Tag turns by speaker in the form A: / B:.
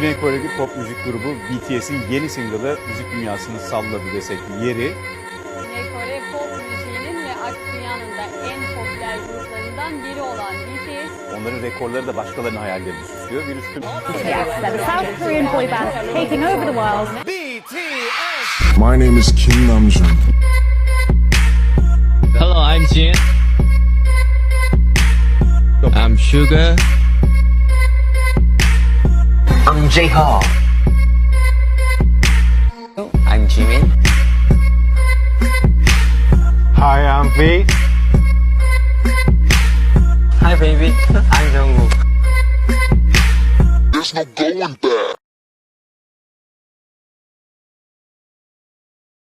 A: Güney Koreli pop müzik grubu BTS'in yeni single'ı müzik dünyasını salladı desek yeri.
B: Güney Kore pop müziğinin ve aşk dünyanın da en popüler gruplarından biri olan BTS.
A: Onların rekorları da başkalarının hayallerini süslüyor. Bir üstün...
C: Yes, they're the South Korean boy band taking over the world.
D: My name is Kim Namjoon.
E: Hello, I'm Jin. I'm Sugar.
F: I'm J-Hope. I'm Jimin.
G: Hi, I'm V.
F: Hi baby, I'm Jungkook.
D: There's no going back.